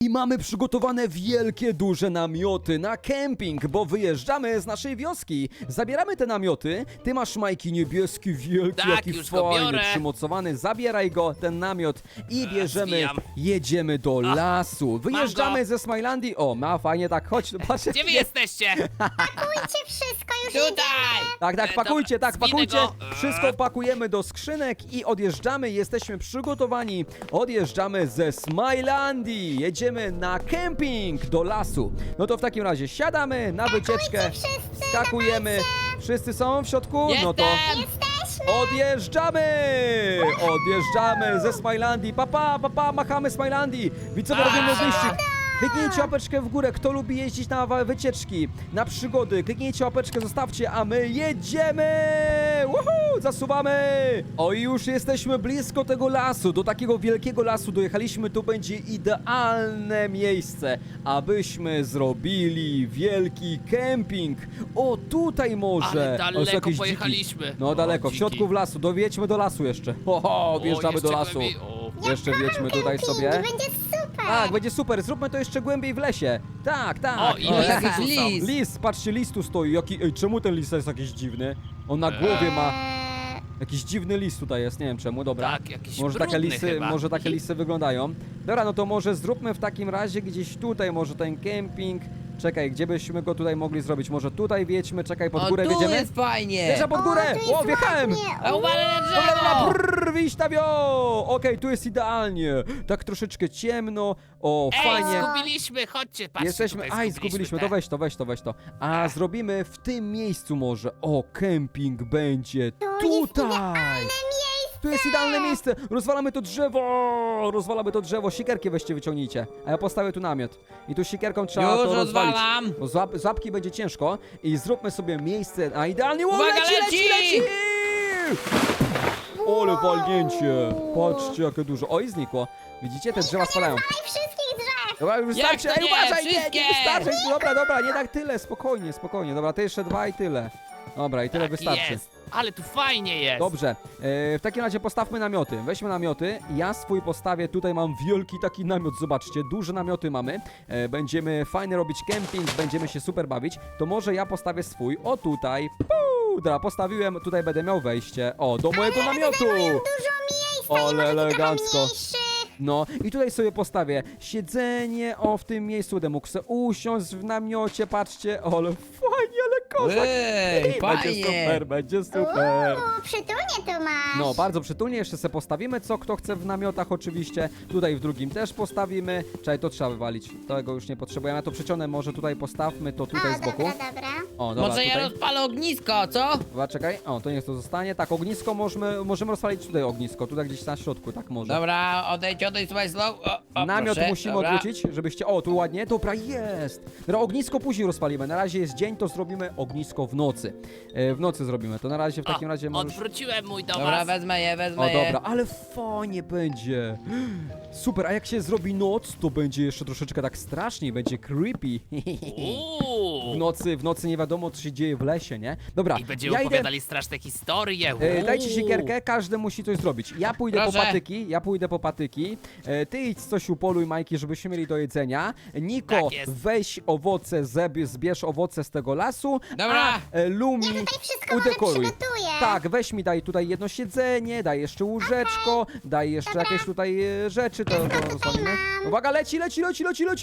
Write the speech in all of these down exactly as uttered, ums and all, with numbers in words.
I mamy przygotowane wielkie, duże namioty na kemping, bo wyjeżdżamy z naszej wioski. Zabieramy te namioty. Ty masz, Majki, niebieski, wielki, Tak, jaki już go fajny, biorę. przymocowany. Zabieraj go, ten namiot i bierzemy, zwijam. jedziemy do lasu. Wyjeżdżamy go. ze Smilandii. O, ma fajnie, tak, chodź, patrz. Gdzie wy jesteście? Pakujcie wszystko, już Tutaj! jedziemy. Tak, tak, E, pakujcie, dobra, tak, zwinę pakujcie. go. Wszystko pakujemy do skrzynek i odjeżdżamy. Jesteśmy przygotowani. Odjeżdżamy ze Smilandii. Jedziemy na kemping do lasu. No to w takim razie siadamy na wycieczkę. wszyscy, Skakujemy. Wszyscy są w środku? No to Jestem! Jesteśmy. odjeżdżamy! Odjeżdżamy ze Smilandii. Papa, papa, machamy Smilandii. Widzowie, Pa! robimy wyścig. Kliknijcie łapeczkę w górę, kto lubi jeździć na wa- wycieczki, na przygody. Kliknijcie łapeczkę, zostawcie, a my jedziemy! Woohoo! Zasuwamy! O, i już jesteśmy blisko tego lasu, do takiego wielkiego lasu dojechaliśmy. Tu będzie idealne miejsce, abyśmy zrobili wielki kemping. O, tutaj może. Ale O, są daleko jakieś dziki. pojechaliśmy. No O, daleko, w dziki. środku w lasu, dowiedźmy do lasu jeszcze. Ho, ho, wjeżdżamy O, do jeszcze lasu. głębiej. O. Jeszcze wjedźmy tutaj Kemping, sobie. będzie super. Tak, będzie super, zróbmy to jeszcze głębiej w lesie. Tak, tak. O, i O, lisy jakiś tu są. lis. lis, patrzcie, lis tu stoi. Jaki, ej, czemu ten lis jest jakiś dziwny? On na głowie ma Eee, jakiś dziwny lis tutaj jest, nie wiem czemu, dobra. Tak, jakiś Może takie brudny lisy, chyba. może takie lisy wyglądają. Dobra, no to może zróbmy w takim razie gdzieś tutaj może ten kemping. Czekaj, gdzie byśmy go tutaj mogli zrobić? Może tutaj wjedźmy, czekaj, pod O, górę tu wjedziemy? jest fajnie! Wjeżdża pod górę! O, tu jest O, wjechałem! ładnie. A uważaj na Dobra, dobra, drzewo! brrr, wyjść na wio! Okej, tu jest idealnie. Tak troszeczkę ciemno. O, Ej, fajnie. zgubiliśmy, chodźcie, patrzcie. Jesteśmy. tutaj Aj, zgubiliśmy. te. To weź to, weź to, weź to. A zrobimy w tym miejscu może. O, kemping będzie tutaj. Tu jest idealne miejsce. Rozwalamy to drzewo. Rozwalamy to drzewo. Siekierki weźcie, wyciągnijcie. A ja postawię tu namiot. I tu siekierką trzeba Już to rozwalić. rozwalam. Bo złap, złapki będzie ciężko. I zróbmy sobie miejsce. A idealnie. O, Uwaga, leci, leci, leci! leci! Ole walnięcie. Patrzcie, jakie dużo. O, i znikło. Widzicie? Te drzewa spadają. Daj wszystkich drzew. Dobra, już Jak wystarczy, to ej, nie? uważaj, nie, nie Wszystkie! wystarczy, dobra, dobra, nie tak tyle, spokojnie, spokojnie, dobra, to jeszcze dwa i tyle. Dobra, i tyle Tak wystarczy. jest. Ale tu fajnie jest. Dobrze, e, w takim razie postawmy namioty, weźmy namioty, ja swój postawię, tutaj mam wielki taki namiot, zobaczcie, duże namioty mamy, e, będziemy fajnie robić kemping, będziemy się super bawić, to może ja postawię swój, o tutaj, puu, dobra, postawiłem, tutaj będę miał wejście, o, do mojego namiotu. Dużo miejsca. Ale i może trochę elegancko. mniejszych. No i tutaj sobie postawię siedzenie, o w tym miejscu będę mógł sobie usiąść w namiocie, patrzcie, ale fajnie, ale kozak. Ej, Będzie fajnie! super, będzie super. Uuu, przytulnie to masz. No, bardzo przytulnie, jeszcze sobie postawimy, co kto chce w namiotach oczywiście, tutaj w drugim też postawimy, czekaj, to trzeba wywalić, tego już nie potrzebujemy, ja to przyciągnę, może tutaj postawmy, to tutaj o, z boku. dobra, dobra. O, dobra, Może ja tutaj. rozpalę ognisko, co? Dobra, czekaj, o, to niech to zostanie, tak, ognisko możemy, możemy rozpalić tutaj ognisko, tutaj gdzieś na środku, tak może. Dobra, odejdź, odejdź, słuchaj, slow. O, o, Namiot proszę, musimy dobra. odwrócić, żebyście... O, tu ładnie, dobra, jest! Dobra, ognisko później rozpalimy, na razie jest dzień, to zrobimy ognisko w nocy. E, w nocy zrobimy, to na razie w takim O, razie możesz... odwróciłem mój do Dobra, was. wezmę je, wezmę O, je. dobra, ale fajnie będzie. Super, a jak się zrobi noc, to będzie jeszcze troszeczkę tak straszniej, będzie creepy. W Uuu. nocy, w nocy nie wiadomo, co się dzieje w lesie, nie? Dobra, I będziemy ja idę... opowiadali straszne historie. E, dajcie Uuu. siekierkę, każdy musi coś zrobić. Ja pójdę po Proszę. patyki, ja pójdę po patyki. E, ty idź coś upoluj, Majki, żebyśmy mieli do jedzenia. Niko, Tak jest. weź owoce, zeb, zbierz owoce z tego lasu. Dobra. A e, Lumi, Ja tutaj wszystko może udekoruj. przygotuję. Tak, weź mi daj tutaj jedno siedzenie, daj jeszcze łóżeczko, daj jeszcze jakieś tutaj e, rzeczy, to, to rozwalimy. Uwaga, leci, leci, leci, leci, leci!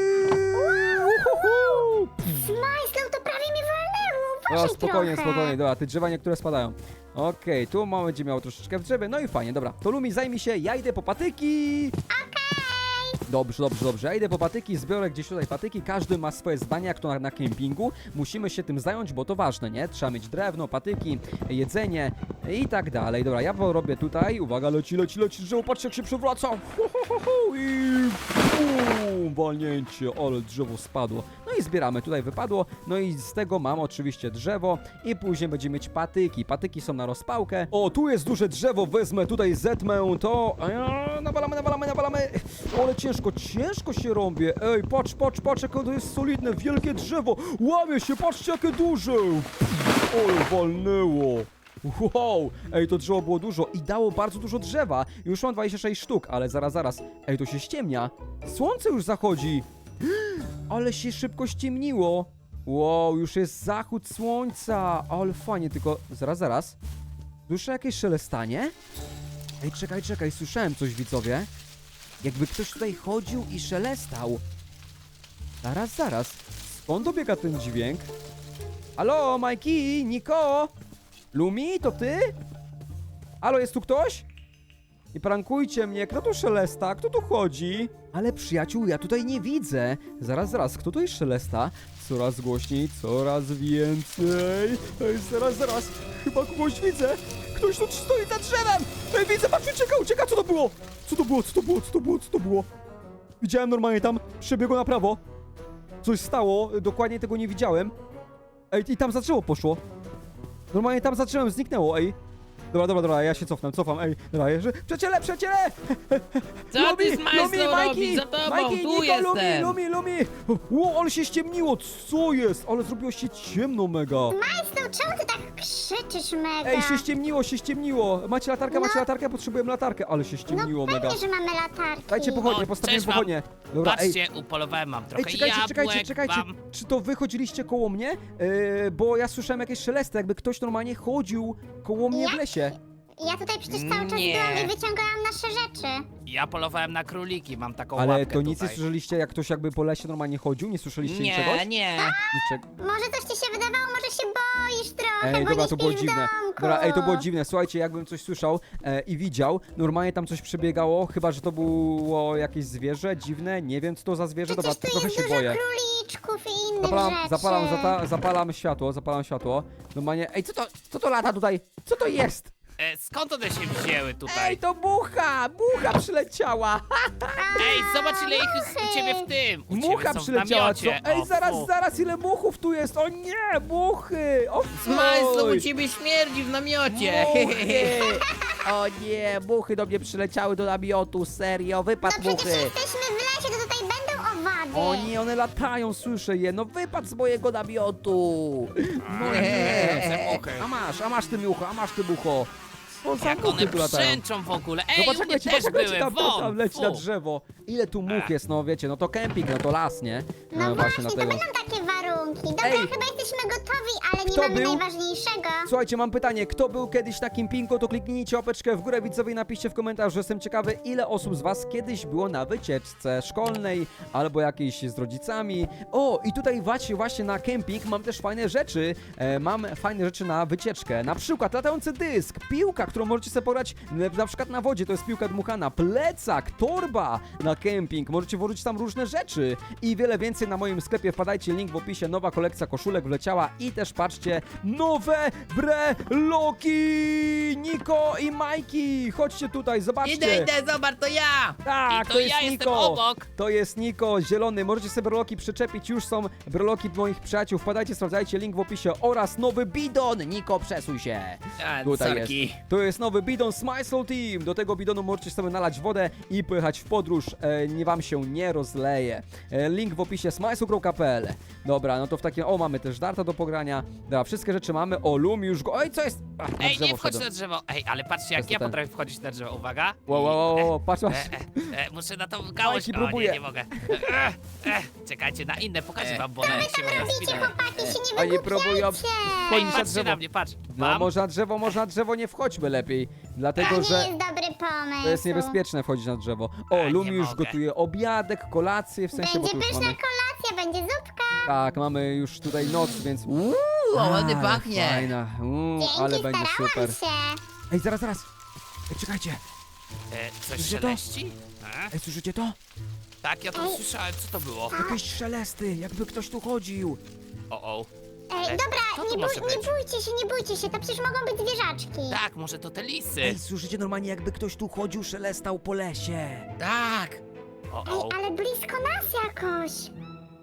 Uhuhu! Majslow, to prawie mnie walnęło. O, Uważaj spokojnie, trochę. spokojnie, dobra, te drzewa niektóre spadają. Okej, tu mamy będzie miało troszeczkę w drzewie, no i fajnie, dobra. To Lumi zajmij się, ja idę po patyki! Dobrze, dobrze, dobrze. Ja idę po patyki, zbiorę gdzieś tutaj patyki. Każdy ma swoje zdania, jak to na, na kempingu. Musimy się tym zająć, bo to ważne, nie? Trzeba mieć drewno, patyki, jedzenie i tak dalej. Dobra, ja robię tutaj. Uwaga, leci, leci, leci drzewo. Patrzcie, jak się przewraca. Hu, hu, hu, hu. I bum, walnięcie, ale drzewo spadło. No i zbieramy. Tutaj wypadło. No i z tego mam oczywiście drzewo i później będziemy mieć patyki. Patyki są na rozpałkę. O, tu jest duże drzewo. Wezmę tutaj, zetmę to. A, nawalamy, nawalamy, nawalamy. Ale ciężko, ciężko się rąbie. Ej, patrz, patrz, patrz, jakie to jest solidne, wielkie drzewo. Łamie się, patrzcie, jakie duże. Oj, walnęło. Wow, ej, to drzewo było dużo i dało bardzo dużo drzewa. Już mam dwadzieścia sześć sztuk, ale zaraz, zaraz. Ej, to się ściemnia. Słońce już zachodzi. Ale się szybko ściemniło. Wow, już jest zachód słońca. Ale fajnie, tylko zaraz, zaraz. Słyszę jakieś szelestanie? Ej, czekaj, czekaj, słyszałem coś, widzowie. Jakby ktoś tutaj chodził i szelestał. Zaraz, zaraz. Skąd dobiega ten dźwięk? Halo, Majki, Niko? Lumi, to ty? Halo, jest tu ktoś? Nie prankujcie mnie, kto tu szelesta? Kto tu chodzi? Ale przyjaciół, ja tutaj nie widzę. Zaraz, zaraz, kto tutaj szelesta? Coraz głośniej, coraz więcej. Ej, zaraz, zaraz, chyba kogoś widzę. Ktoś tu stoi za drzewem. Ej, widzę, patrz, ucieka, ucieka, co to było? Co to było, co to było, co to było, co to było? Widziałem normalnie tam, przebiegło na prawo. Coś stało, dokładnie tego nie widziałem. Ej, i tam za drzewo poszło. Normalnie tam zacząłem, zniknęło, ej. Dobra, dobra, dobra, ja się cofnę, cofam, ej. Dobra, że... Przyjaciele, przyjaciele! Co ty, Smajslo, robisz? Za tobą, Majki, tu Niko, Lumi, jestem. Lumi, Lumi! Ło, ale się ściemniło, co jest? Ale zrobiło się ciemno mega. Majslu, czemu ty tak krzyczysz mega? Ej, się ściemniło, się ściemniło. Macie latarkę, macie No. latarkę? Potrzebuję latarkę, ale się ściemniło No mega. pewnie, że mamy latarki. Dajcie pochodnie, O, postawiłem cześć wam. pochodnie. Dobra, ej. Patrzcie, upolowałem mam trochę Ej, czekajcie, jabłek, czekajcie, czekajcie. mam... Czy to wy chodziliście koło mnie? Yy, bo ja słyszałem jakieś szelesty, jakby ktoś normalnie chodził koło mnie w Ja? lesie. Ja tutaj przecież cały czas Nie. byłam i wyciągałam nasze rzeczy. Ja polowałem na króliki, mam taką Ale łapkę to nic nie tutaj. słyszeliście, jak ktoś jakby po lesie normalnie chodził? Nie słyszeliście niczego? Nie, nie. Niczego. Może coś ci się wydawało, może się boisz trochę, Ej, bo dobra, nie to było śpisz w dziwne. domku. Dobra, ej, to było dziwne. Słuchajcie, jakbym coś słyszał e, i widział, normalnie tam coś przebiegało, chyba że to było jakieś zwierzę dziwne, nie wiem co to za zwierzę, dobra, Przecież tu trochę jest się dużo boję. króliczków i innych Zapalam, rzeczy. zapalam, zata, zapalam światło, zapalam światło. Normalnie, ej, co to, co to lata tutaj? Co to jest? E, skąd one się wzięły tutaj? Ej, to mucha! Mucha przyleciała! Ej, zobacz ile ich jest u ciebie w tym! U Mucha ciebie są w przyleciała, co? namiocie. Ej, O, zaraz, fu. zaraz, ile muchów tu jest! O nie, muchy! O Smajslo, fuj! u ciebie śmierdzi w namiocie. Muchy! O nie, muchy do mnie przyleciały do namiotu, serio, wypad No przecież muchy! jesteśmy w lesie, to tutaj będą owady. O nie, one latają, słyszę je, no wypad z mojego namiotu! No nie, nie! te muchy. A masz, a masz ty mucho, a masz ty mucho! Co za Jak muchy one tu latają? brzęczą w ogóle. Ej, Zobacz u jak mnie leci, też patrz jak leci były, tam, tam, tam won, leci na fu. drzewo. Ile tu much jest, no wiecie, no to kemping, no to las, nie? No właśnie, to dlatego. będą takie warunki. Dobra, Ej, chyba jesteśmy gotowi, ale nie kto mamy był? najważniejszego. Słuchajcie, mam pytanie, kto był kiedyś na kempingu, to kliknijcie łapeczkę w górę, widzowie, i napiszcie w komentarzu, że jestem ciekawy, ile osób z was kiedyś było na wycieczce szkolnej, albo jakiejś z rodzicami. O, i tutaj właśnie, właśnie na kemping mam też fajne rzeczy, e, mam fajne rzeczy na wycieczkę, na przykład latający dysk, piłka, którą możecie sobie pograć e, na przykład na wodzie, to jest piłka dmuchana, plecak, torba na kemping, możecie włożyć tam różne rzeczy i wiele więcej na moim sklepie, wpadajcie, link w opisie, nowa kolekcja koszulek wleciała i też patrzcie, nowe breloki! Niko i Majki, chodźcie tutaj, zobaczcie. Idę, idę, zobacz, to ja. Tak, I to to jest ja jestem Niko. obok. To jest Niko, zielony. Możecie sobie breloki przyczepić. Już są breloki moich przyjaciół. Wpadajcie, sprawdzajcie link w opisie oraz nowy bidon. Niko, przesuń się. A, Tutaj sorki. jest. To jest nowy bidon Smysl Team. Do tego bidonu możecie sobie nalać wodę i pojechać w podróż. E, nie wam się nie rozleje. E, link w opisie smysl kropka p l. Dobra, no to w takim... O, mamy też darta do pogrania. Dobra, wszystkie rzeczy mamy. O, Lumi już go... Oj, co jest? Ach, na Ej, drzewo nie wchodź wszedłem. na drzewo. Ej, ale patrzcie jak To ja ten. potrafię wchodzić na drzewo. Uwaga. Wow, wow, wow, wow, patrz, E, patrz. e, e, muszę na tą gałąź. Majki O, próbuje. nie, nie mogę. E, e, czekajcie, na inne pokażę wam, bo one się mogą Robicie, spinać. chłopaki, się nie Oni próbują wygłupiajcie. Ej, wchodzić na patrzcie drzewo. na mnie, patrz. No, Mam. może na drzewo, może na drzewo nie wchodźmy lepiej. To Dlatego, nie że... jest dobry pomysł. To jest niebezpieczne wchodzić na drzewo. O, A, nie Lumi już mogę. gotuje obiadek, kolację, w sensie, bo Będzie tu już pyszna mamy... kolacja, będzie zupka. Tak, mamy już tutaj noc, więc... Uuu, ładnie Ale pachnie. Fajna, Uuu, Dzięki, ale będzie starałam super. się. Ej, zaraz, zaraz. Ej, czekajcie. E, coś Słyszycie to? szeleści? E? Ej, słyszycie to? Tak, ja to słyszałem, co to było? Jakieś szelesty, jakby ktoś tu chodził. O, o. Ej, Ale dobra, co to nie, może bój, nie być? bójcie się, nie bójcie się, to przecież mogą być zwierzaczki. Tak, może to te lisy. Ej, słyszycie normalnie, jakby ktoś tu chodził, szelestał po lesie. Tak. O, Ej, o. ale blisko nas jakoś.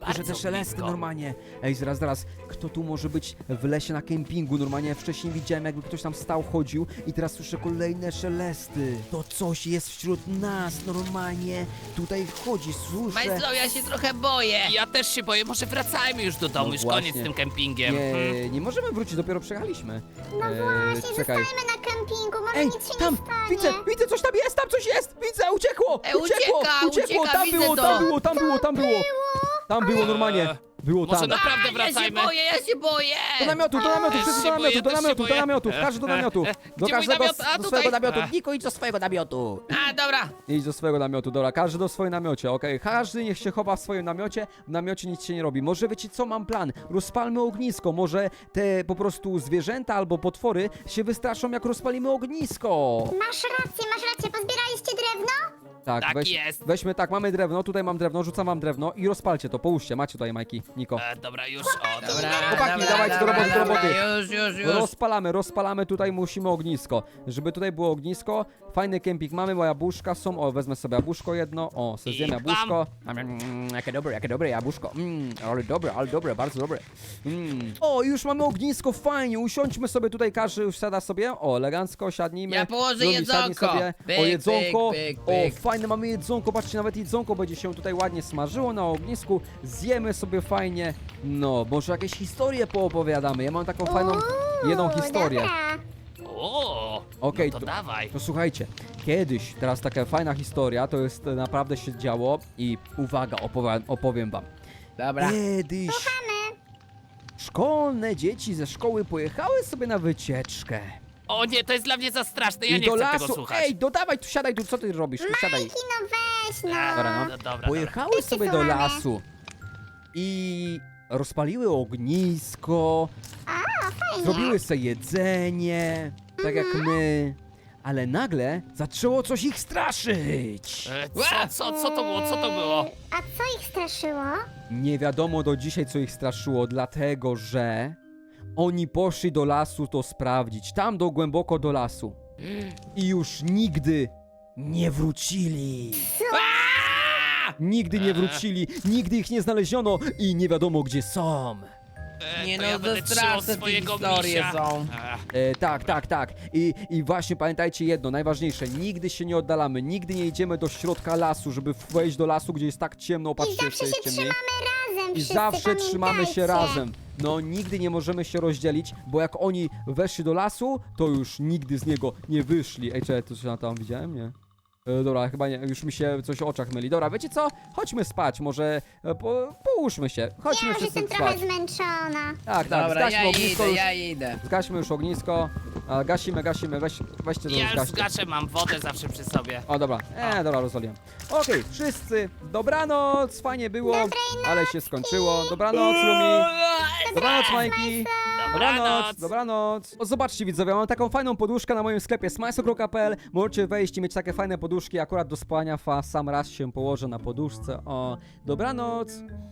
Słyszę te Bardzo szelesty blisko. normalnie. Ej, zaraz, zaraz, kto tu może być w lesie na kempingu? Normalnie wcześniej widziałem, jakby ktoś tam stał, chodził i teraz słyszę kolejne szelesty. To coś jest wśród nas, normalnie. Tutaj chodzi, słyszę. Majslo, ja się trochę boję. Ja też się boję, może wracajmy już do domu, No już właśnie. koniec z tym kempingiem. Hmm. Nie, nie możemy wrócić, dopiero przejechaliśmy. No Eee, właśnie, czekaj. zostajemy na kempingu, może Ej, nic się tam, nie stanie. widzę, widzę, coś tam jest, tam coś jest, widzę, uciekło, Ej, uciekło, ucieka, uciekło, ucieka, tam widzę było, to. tam było, tam było, tam było, tam było normalnie, było Może tam. na- Naprawdę A, ja się wracajmy. boję, ja się boję. Do namiotu, do namiotu, Też wszyscy się do boję, namiotu, do też się namiotu, do boję. namiotu, każdy do namiotu, do Gdzie mój każdego, namiot? A, do tutaj. swojego namiotu, A. Niko, idź do swojego namiotu. A, dobra. Idź do swojego namiotu, dobra, każdy do swojego namiocie, okej, każdy niech się chowa w swoim namiocie, w namiocie nic się nie robi. Może wiecie co, mam plan, rozpalmy ognisko, może te po prostu zwierzęta albo potwory się wystraszą jak rozpalimy ognisko. Masz rację, masz rację, pozbieraliście drewno? Tak, Tak weź, jest. weźmy, tak, mamy drewno, tutaj mam drewno, rzucam wam drewno i rozpalcie to, połóżcie, macie tutaj, Majki, Niko. E, dobra, już, o, Dobra, dobra. Chłopaki, dobra, dawajcie do dobra, roboty, do dobra, roboty. Już, już, już. Rozpalamy, rozpalamy, tutaj musimy ognisko. Żeby tutaj było ognisko, fajny kemping mamy, bo jabłuszka są, o, wezmę sobie jabłuszko jedno, o, sobie zjem I jabłuszko. Mm, jakie dobre, jakie dobre jabłuszko, mm, ale dobre, ale dobre, bardzo dobre. Mm. O, już mamy ognisko, fajnie, usiądźmy sobie tutaj, każdy już siada sobie, o, elegancko, siadnijmy. Ja położę Lumi, siadnij jedzonko. sobie. Pyk, O, jedzonko, pyk, pyk, o, pyk. fajne, mamy jedzonko, patrzcie, nawet jedzonko będzie się tutaj ładnie smażyło na ognisku, zjemy sobie fajnie, no, może jakieś historie poopowiadamy, ja mam taką fajną, Uuu, jedną historię. Dobra. O, Okej, no to, to- dawaj. To słuchajcie, kiedyś, teraz taka fajna historia, to jest e, naprawdę się działo i uwaga, opowiem, opowiem wam. Dobra. Kiedyś szkolne dzieci ze szkoły pojechały sobie na wycieczkę. O nie, to jest dla mnie za straszne, ja I nie do chcę lasu, tego słuchać. ej, dodawaj, tu siadaj, tu co ty robisz, tu siadaj. Majki, no weź, no. E, Dobra, no. no dobra, dobra. Pojechały Wszyscy sobie do słuchamy. lasu i rozpaliły ognisko, Fajnie. zrobiły sobie jedzenie, tak jak my, ale nagle zaczęło coś ich straszyć. E, co, co, co to było, co to było? Eee, A co ich straszyło? Nie wiadomo do dzisiaj, co ich straszyło, dlatego że oni poszli do lasu to sprawdzić, tam do głęboko do lasu. I już nigdy nie wrócili. Nigdy nie wrócili, nigdy ich nie znaleziono i nie wiadomo gdzie są. E, Nie to no, ja to będę trzymał straszne te swojego historie misia. są. E, E, tak, tak, tak. I, I właśnie pamiętajcie jedno, najważniejsze, nigdy się nie oddalamy, nigdy nie idziemy do środka lasu, żeby wejść do lasu, gdzie jest tak ciemno, I patrzcie, zawsze się jest ciemniej. trzymamy razem, I wszyscy, zawsze trzymamy się pamiętajcie. razem. No, nigdy nie możemy się rozdzielić, bo jak oni weszli do lasu, to już nigdy z niego nie wyszli. Ej, czekaj, to co ja tam widziałem? Nie. E, dobra, chyba nie, już mi się coś o oczach myli. Dobra, wiecie co? Chodźmy spać, może e, po, połóżmy się. Chodźmy Ja już wszyscy jestem spać. trochę zmęczona. Tak, tak, Dobra, zgaśmy ja ognisko idę, już. ja idę. Zgaśmy już ognisko. A, gasimy, gasimy, weź, weźcie to Ja już zgaście. zgaszę, mam wodę zawsze przy sobie. O, dobra, e, dobra, rozwaliłem. Okej, wszyscy, dobranoc, fajnie było, ale się skończyło. Dobranoc, Lumi. Dobranoc, Majki. Dobranoc, dobranoc. O, zobaczcie widzowie, mam taką fajną poduszkę na moim sklepie smajso kropka p l. Możecie wejść i mieć takie fajne poduszki. Akurat do spania fa, sam raz się położę na poduszce. O, dobranoc.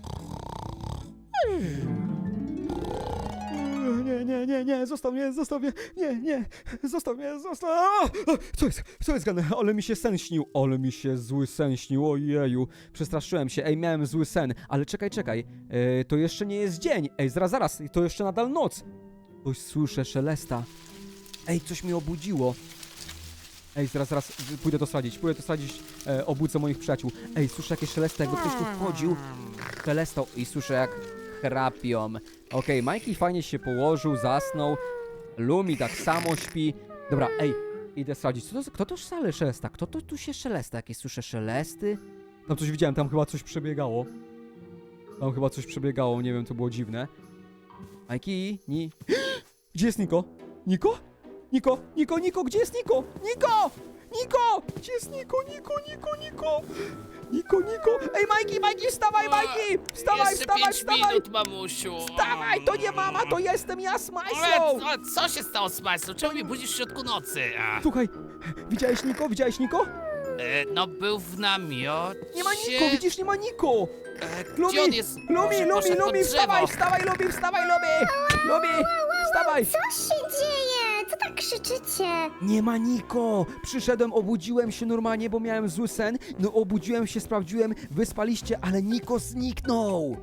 Nie, nie, nie, nie, zostaw mnie, zostaw mnie, nie, nie, zostaw mnie, zostaw. A! Co jest, co jest grane? Ale mi się sen śnił, ale mi się zły sen śnił, ojeju. Przestraszyłem się, ej, miałem zły sen, ale czekaj, czekaj, e, to jeszcze nie jest dzień, ej, zaraz, zaraz, to jeszcze nadal noc. Coś słyszę, szelesta. Ej, coś mnie obudziło. Ej, zaraz, zaraz, pójdę to sprawdzić, pójdę to sprawdzić, e, obudzę moich przyjaciół. Ej, słyszę jakieś szelesta, jakby ktoś tu wchodził, szelestał i słyszę jak chrapią. Okej, Majki fajnie się położył, zasnął, Lumi tak samo śpi. Dobra, ej, idę sprawdzić, co to, kto to szale szelesta, kto to tu się szelesta, jakieś słyszę szelesty? Tam coś widziałem, tam chyba coś przebiegało. Tam chyba coś przebiegało, nie wiem, to było dziwne. Majki, ni... Gdzie jest Niko? Niko? Niko, Niko, Niko, gdzie jest Niko? Niko! Niko! Gdzie jest Niko, Niko, Niko, Niko? Niko, Niko! Ej, Majki, Majki, wstawaj, Majki! Wstawaj, Jeszcze wstawaj, pięć wstawaj! minut, mamusiu. Wstawaj, to nie mama, to jestem ja z Ale Majslą! co, co się stało z Majslą? Czemu mnie budzisz w środku nocy? A, Słuchaj, widziałeś Niko? Widziałeś Niko? e, no był w namiocie. Nie ma Niko, widzisz, nie ma Niko! E, Lumi, gdzie on jest? Lumi, Może Lumi, poszedł pod Lumi, drzewo. wstawaj, wstawaj, Lumi, wstawaj, Lumi! Lumi, wstawaj! Co się dzieje? Co tak krzyczycie? Nie ma Niko! Przyszedłem, obudziłem się normalnie, bo miałem zły sen. No obudziłem się, sprawdziłem, wyspaliście, ale Niko zniknął!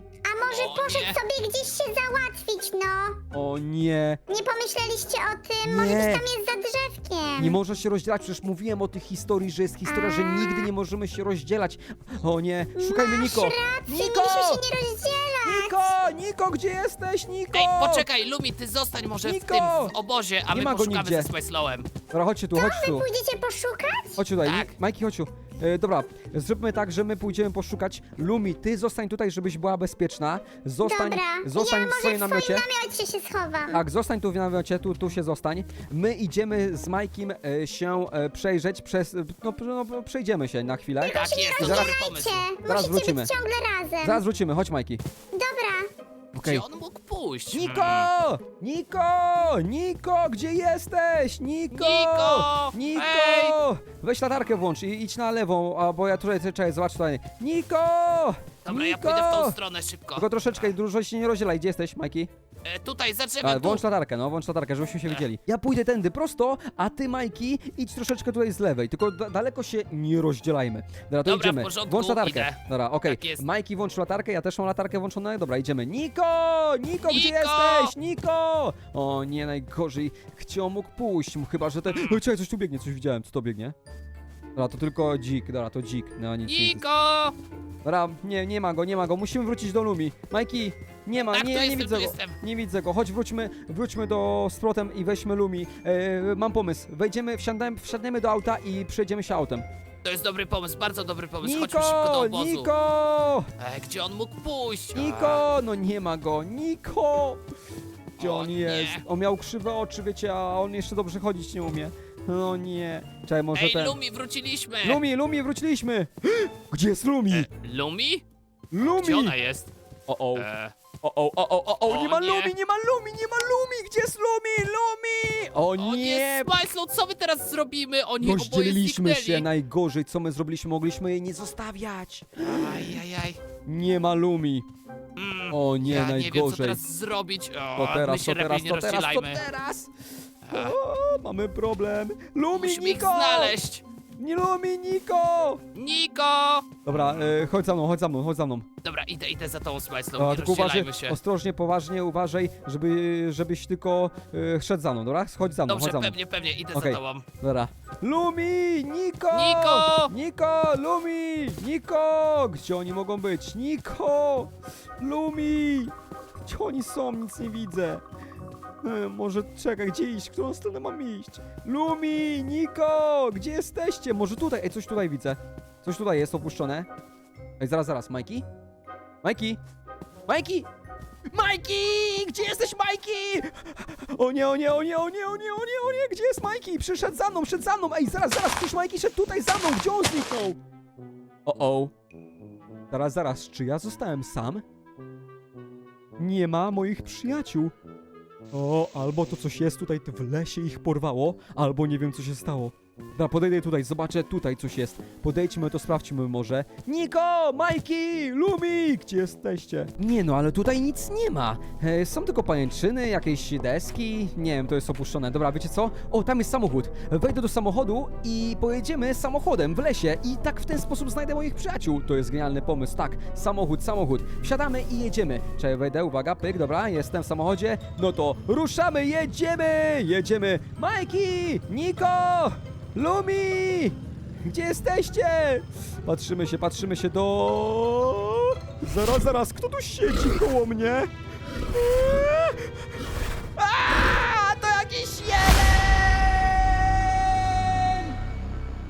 może O poszedł nie. sobie gdzieś się załatwić, no. O nie. Nie pomyśleliście o tym? Może Nie. gdzieś tam jest za drzewkiem. Nie można się rozdzielać, przecież mówiłem o tych historii, że jest historia, że nigdy nie możemy się rozdzielać. O nie, szukajmy Masz Niko. rację, Niko! mieliśmy się nie rozdzielać. Niko! Niko, gdzie jesteś, Niko? Ej, poczekaj, Lumi, ty zostań może w Niko! tym w obozie, a Nie my ma go poszukamy nigdzie. ze Smajslowem. Dobra, chodźcie tu, chodź tu. Pójdziecie poszukać? Chodź tutaj, Tak. tak. Majki, chodź tu. E, dobra, zróbmy tak, że my pójdziemy poszukać. Lumi, ty zostań tutaj, żebyś była bezpieczna. Zostań, Dobra, zostań ja w może swoim w namiocie. swoim namiocie się schowam. Tak, zostań tu w namiocie, tu, tu się zostań. My idziemy z Majkiem e, się e, przejrzeć przez... No, no, no, przejdziemy się na chwilę. Tak jest, to Zaraz- dobry pomysł. Cię, Zaraz musicie wrócimy. być ciągle razem. Zaraz wrócimy, chodź Majki. Dobra. Okej. Gdzie on mógł pójść? Niko! Hmm. Niko! Niko, gdzie jesteś? Niko! Niko! Niko! Ej! Weź latarkę włącz i idź na lewą, a bo ja tutaj, czekaj, zobacz tutaj. Niko! Dobra, Niko! ja pójdę w tą stronę szybko. Tylko troszeczkę, dużo się nie rozdzielaj. Gdzie jesteś, Majki? E, tutaj, za A, drzewem, tu. włącz latarkę, no, włącz latarkę, żebyśmy się widzieli. Ja pójdę tędy prosto, a ty, Majki, idź troszeczkę tutaj z lewej, tylko da daleko się nie rozdzielajmy. Dobra, to Dobra, w idziemy. porządku, Włącz latarkę. idę. Dobra, okej. Tak jest. Majki, włącz latarkę, ja też mam latarkę włączoną. Dobra, idziemy. Niko! Niko, gdzie Niko! jesteś? Niko! O nie, najgorzej. Gdzie on mógł pójść? Chyba, że ten... Oj, czekaj, coś tu biegnie, coś widziałem. Co to biegnie? Dobra, to tylko dzik, dobra, to dzik. No, nic, nic. Niko! Dobra, nie, nie ma go, nie ma go. Musimy wrócić do Lumi. Majki, nie ma, Tak, nie, tu nie jestem, widzę tu go. jestem. Nie widzę go. Chodź, wróćmy, wróćmy do z powrotem i weźmy Lumi. E, mam pomysł. Wejdziemy, wsiadamy, wsiadniemy do auta i przejdziemy się autem. To jest dobry pomysł, bardzo dobry pomysł. Chodźmy Niko! szybko do obozu. Niko! E, gdzie on mógł pójść? Niko! No nie ma go. Niko! Gdzie O on nie. jest? On miał krzywe oczy, wiecie, a on jeszcze dobrze chodzić nie umie. No nie. Czekaj, może Ej, ten... Lumi, wróciliśmy! Lumi, Lumi, wróciliśmy! Gdzie jest Lumi? E, Lumi? Lumi! Gdzie ona jest? O, o. E, O, o, o, o, o, o, nie O ma nie. Lumi, nie ma Lumi, nie ma Lumi! Gdzie jest Lumi? Lumi! O o nie! nie, Smajslow, co my teraz zrobimy? Oni oboje Rozdzieliliśmy się, zniknęli. najgorzej, co my zrobiliśmy, mogliśmy jej nie zostawiać. Ajajaj. Nie ma Lumi. Mm, O nie, ja nie wiem, co najgorzej. teraz zrobić. O, To teraz, my się to teraz, lepiej nie to teraz, to rozdzielajmy. teraz! A, O, mamy problem. Lumi, musimy ich Niko! znaleźć. Nie Lumi, Niko! Niko! Dobra, e, chodź za mną, chodź za mną, chodź za mną. Dobra, idę, idę za tą Smajslow, A, nie tylko uważaj, rozdzielajmy się. ostrożnie, poważnie, uważaj, żeby, żebyś tylko e, szedł za mną, dobra? Chodź za mną, Dobrze, chodź za mną. pewnie, pewnie, idę Okej. za tobą. Dobra. Lumi! Niko! Niko! Niko! Lumi! Niko! Gdzie oni mogą być? Niko! Lumi! Gdzie oni są? Nic nie widzę. E, może czekaj, gdzie iść? W którą stronę mam iść? Lumi! Niko! Gdzie jesteście? Może tutaj? Ej, coś tutaj widzę. Coś tutaj jest opuszczone. Ej, zaraz, zaraz. Majki? Majki? Majki? Majki! Gdzie jesteś, Majki? O nie, o nie, o nie, o nie, o nie, o nie, o nie, gdzie jest Majki? Przyszedł za mną, szedł za mną. Ej, zaraz, zaraz, przecież Majki szedł tutaj za mną. Gdzie on zniknął? O, o. Zaraz, zaraz, czy ja zostałem sam? Nie ma moich przyjaciół. O, albo to coś jest tutaj w lesie, ich porwało, albo nie wiem, co się stało. Dobra, podejdę tutaj, zobaczę, tutaj coś jest. Podejdźmy, to sprawdźmy może. Niko, Majki, Lumi, gdzie jesteście? Nie no, ale tutaj nic nie ma. E, są tylko pajęczyny, jakieś deski, nie wiem, to jest opuszczone. Dobra, wiecie co? O, tam jest samochód. Wejdę do samochodu i pojedziemy samochodem w lesie i tak w ten sposób znajdę moich przyjaciół. To jest genialny pomysł, tak. Samochód, samochód. Wsiadamy i jedziemy. Czekaj, wejdę, uwaga, pyk, dobra, jestem w samochodzie. No to ruszamy, jedziemy, jedziemy. Majki, Niko, Lumi! Gdzie jesteście? Patrzymy się, patrzymy się do... Zaraz, zaraz, kto tu siedzi koło mnie? Eee,